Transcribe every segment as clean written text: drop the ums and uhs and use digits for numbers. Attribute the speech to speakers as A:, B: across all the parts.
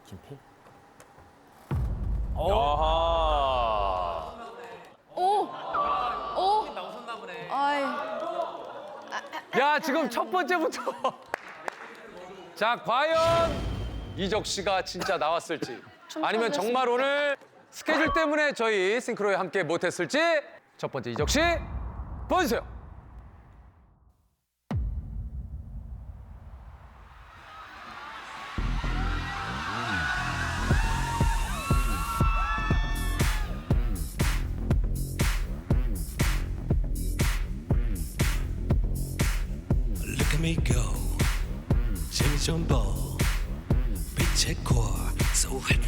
A: 김필?
B: 아하.
C: 오! 아이,
B: 야, 지금 첫 번째부터. 자, 과연 이적 씨가 진짜 나왔을지 아니면 정말 오늘 스케줄 때문에 저희 싱크로에 함께 못했을지 첫 번째 이적 씨 보여주세요.
D: Look at me go 재미 좀 보 빛의 콜 so hot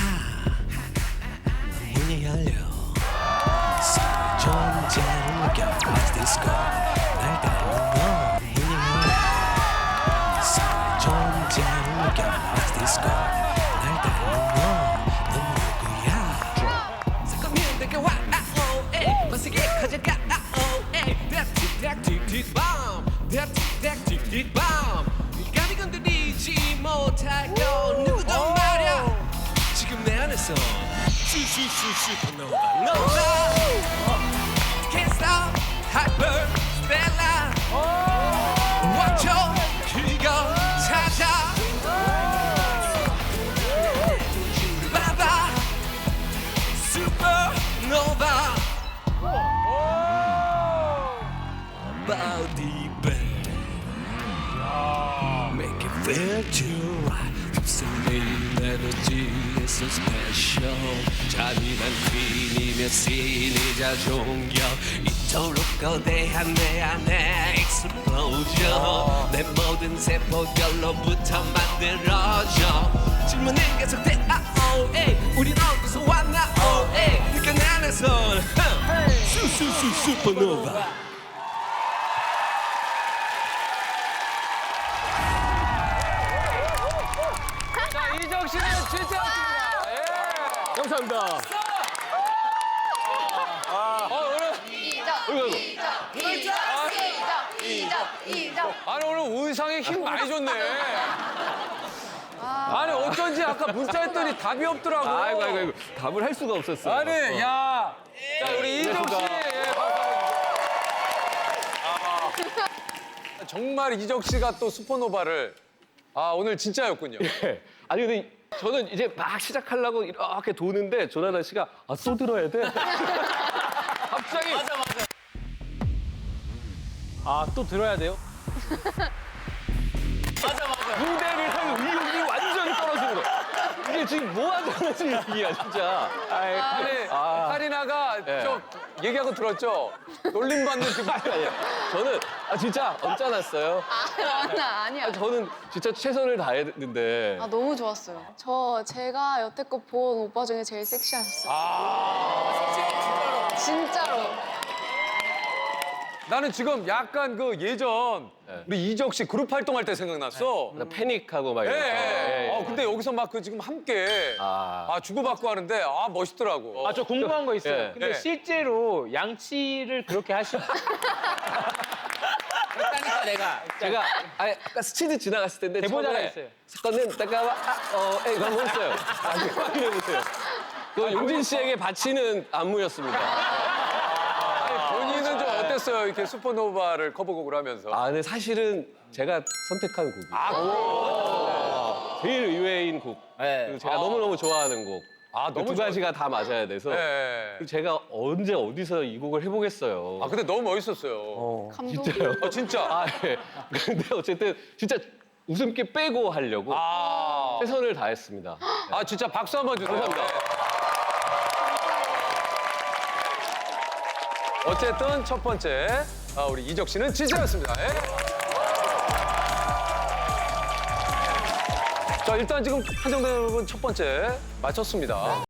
D: 문이 열려 서로의 존재를 느껴 Let's disco 날 닮은 너 문이 열려 서로의 존재를 느껴 Let's disco 날 닮은 너넌 누구야 잠깐만 내게 와 멋지게 가져가 틱틱틱틱밤 감이 건드리지 못하고 누구도 말야 지금 내 안에서 슈슈슈슈퍼노바 노바 Can't stop hyper stella watch 그거 찾아 바바 슈퍼노바 body bang make it feel too right 흡수된 에너지 is so special 잔인한 퀸이며 씬이자 종교 이토록 거대한 내 안에 explosion 내 모든 세포별로부터 만들어져 질문은 계속돼 우린 어디서 왔나 그러니까 내 안에선 슈슈슈 슈퍼노바
B: 자, 이적 씨는 진짜였습니다. 예. 감사합니다.
C: 이적.
B: 아니, 오늘 의상에 힘 많이 줬네. 아니, 어쩐지 아까 문자 했더니 답이 없더라고.
E: 아이고 답을 할 수가 없었어요.
B: 아니, 야. 자, 우리 이적 씨. 예, 감사합니다. 정말 이적 씨가 또 슈퍼노바를 오늘 진짜였군요.
E: 아니 근데 저는 이제 막 시작하려고 이렇게 도는데 조나단 씨가 또 들어야 돼?
B: 갑자기
A: 또 들어야 돼요?
E: 무대를 할 의욕이 완전히 떨어지는 거야. 이게 지금 뭐 하자는 얘기야 진짜.
B: 아니, 카리나가
E: 예.
B: 저 얘기하고 들었죠? 놀림받는 그
E: 저는 진짜 언짢았어요.
C: 아니야.
E: 저는 진짜 최선을 다했는데
C: 너무 좋았어요. 제가 여태껏 본 오빠 중에 제일 섹시하셨어요. 진짜로.
B: 나는 지금 약간 그 예전 우리 이적 씨 그룹 활동할 때 생각났어.
E: 패닉하고 막
B: 예,
E: 이런 거.
B: 예. 근데 여기서 막 그 지금 함께 주고받고 하는데 멋있더라고.
A: 저 궁금한 거 있어요.
E: 예.
A: 근데
B: 예.
A: 실제로 양치를 그렇게 하시고 그랬다니까 내가.
E: 제가 아까 스치듯 지나갔을 텐데
A: 대보자가
E: 처음에
A: 있어요.
E: 사건은 잠깐만 이거 한번 했어요. 나중에 확인해 보세요. 그 용진 씨에게 바치는 안무였습니다.
B: 본인은 좀 어땠어요? 이렇게 슈퍼노바를 커버곡을 하면서.
E: 근데 사실은 제가 선택한 곡이 제일 의외인 곡.
A: 네.
E: 그리고 제가 너무너무 좋아하는 곡.
B: 너무
E: 두 가지가 다 맞아야 돼서
B: 예.
E: 그리고 제가 언제 어디서 이 곡을 해보겠어요.
B: 근데 너무 멋있었어요.
C: 감동.
E: 진짜요?
B: 진짜.
E: 예. 근데 어쨌든 진짜 웃음기 빼고 하려고 최선을 다했습니다.
B: 진짜 박수 한번 주세요.
E: 감사합니다.
B: 어쨌든 첫 번째 우리 이적 씨는 진짜였습니다. 예. 자, 일단 지금 한정된 여러분 첫 번째 맞췄습니다.